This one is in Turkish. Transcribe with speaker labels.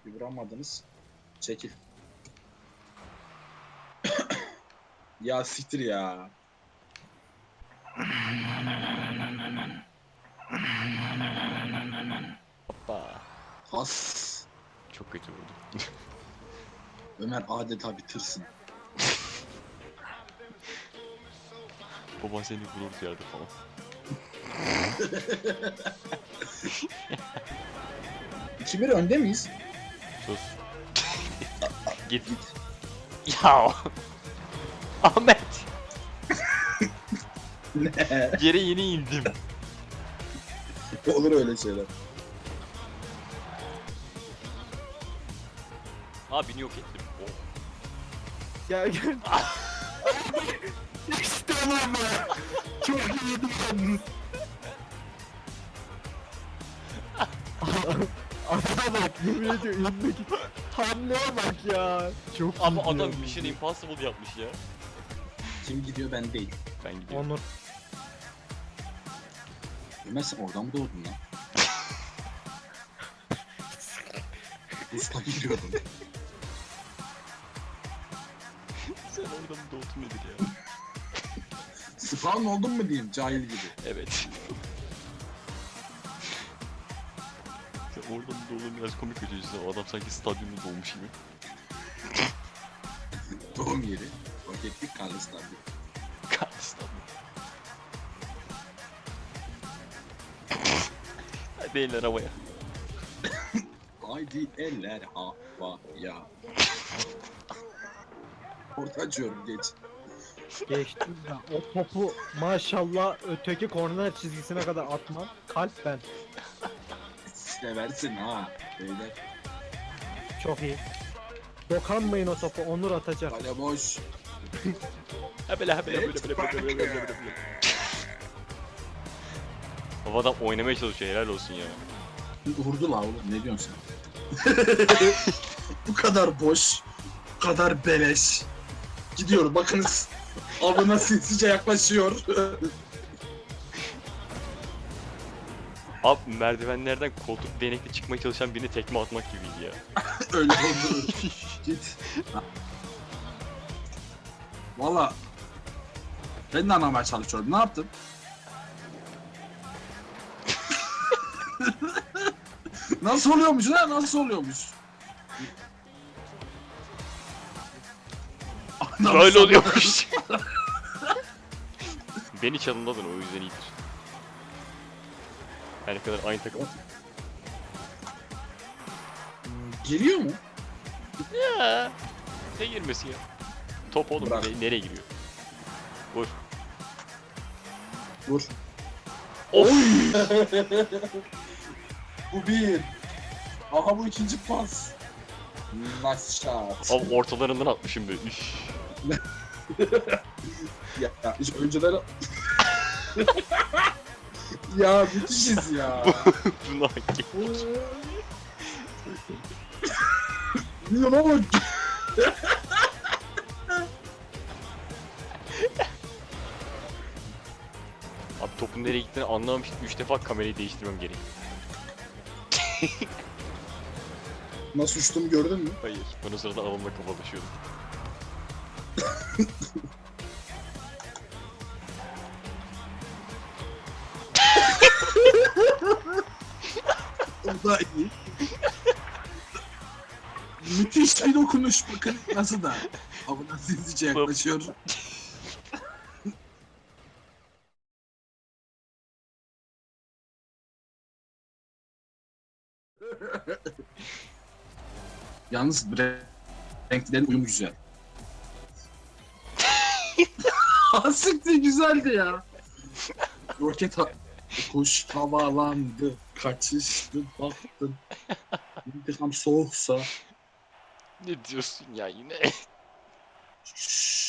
Speaker 1: Bir vuramadınız. Çekil. Ya siktir ya.
Speaker 2: Hoppa.
Speaker 1: Has.
Speaker 2: Çok kötü vurdu.
Speaker 1: Ömer adeta bir tırsın.
Speaker 2: Baban seni vurur yerde falan.
Speaker 1: 2-1 önde miyiz?
Speaker 2: Sus. Git. Ya. Ahmet.
Speaker 1: Ne?
Speaker 2: Yere yeni indim.
Speaker 1: Olur öyle şeyler.
Speaker 2: Abini yok ettim. Oh.
Speaker 3: Gel gel. İşte oğlum be. Çok iyiydi yalnız. Adama bak, yemin ediyorum elindeki hamleye bak ya. Çok
Speaker 2: Ama
Speaker 3: iyi
Speaker 2: adam
Speaker 3: ya.
Speaker 2: Mission Impossible yapmış ya.
Speaker 1: Kim gidiyor ben değil.
Speaker 2: Ben gidiyorum.
Speaker 3: Onur.
Speaker 1: Ömer sen oradan mı doğdun lan? Usta giriyordum.
Speaker 2: Sen oradan mı doğdun nedir ya?
Speaker 1: Spawn oldun mu diyeyim cahil gibi.
Speaker 2: Evet. Sen oradan mı doğdun biraz komik ötesi. O adam sanki stadyumda doğmuş gibi.
Speaker 1: Doğum yeri. Roketlik karlı stadyum.
Speaker 2: Stadyum. Hadi eller havaya.
Speaker 1: Haydi eller havaya. Orta açıyorum geç.
Speaker 3: Geçtim ya. O topu maşallah öteki korner çizgisine kadar atman. Kalp ben.
Speaker 1: Seversin ha. Beyler.
Speaker 3: Çok iyi. Dokanmayın o topu. Onur atacak.
Speaker 1: Kale boş.
Speaker 2: Hebele hebele. O adam oynamaya çalışıyor, helal olsun ya.
Speaker 1: Vurdu la oğlum ne diyorsun sen? Bu kadar boş. Bu kadar beleş. Gidiyor bakınız. Avına sinsice yaklaşıyor.
Speaker 2: Abi merdivenlerden koltuk değnekle çıkmaya çalışan birine tekme atmak gibiydi ya.
Speaker 1: Öyle oldu. Git. Valla ben de anlamaya çalışıyorum. Ne yaptın? Nasıl oluyormuş lan? Nasıl oluyormuş?
Speaker 2: Böyle oluyormuş. Beni çalımladın, o yüzden iyidir. Her ne kadar aynı takım.
Speaker 1: Giriyor mu?
Speaker 2: Ya. Ne girmesi ya? Top oğlum,
Speaker 1: Bırak.
Speaker 2: nereye giriyor? Vur.
Speaker 1: Vur.
Speaker 2: Of.
Speaker 1: Bu bir. Aha bu ikinci pas. Nice shot.
Speaker 2: Abi ortalarından atmışım böyle. Üf.
Speaker 1: Ya hiç önceden... ya müthişiz ya.
Speaker 2: Bunu hak et.
Speaker 1: Bilmiyorum ama...
Speaker 2: Abi topun nereye gittiğini anlamamıştım. 3 defa kamerayı değiştirmem gerek.
Speaker 1: Nasıl uçtuğumu gördün mü?
Speaker 2: Hayır. Ben o sırada avımla kafalaşıyordum.
Speaker 1: O da iyi. Müthiş bir dokunuş bakın nasıl da. Avına sinsice yaklaşıyor. Yalnız renklerin uyumu güzel. Asikti güzeldi ya. Roket kuş havalandı, kaçıştı, baktın. İntikam soğuksa.
Speaker 2: Ne diyorsun ya yine?
Speaker 1: Şşş.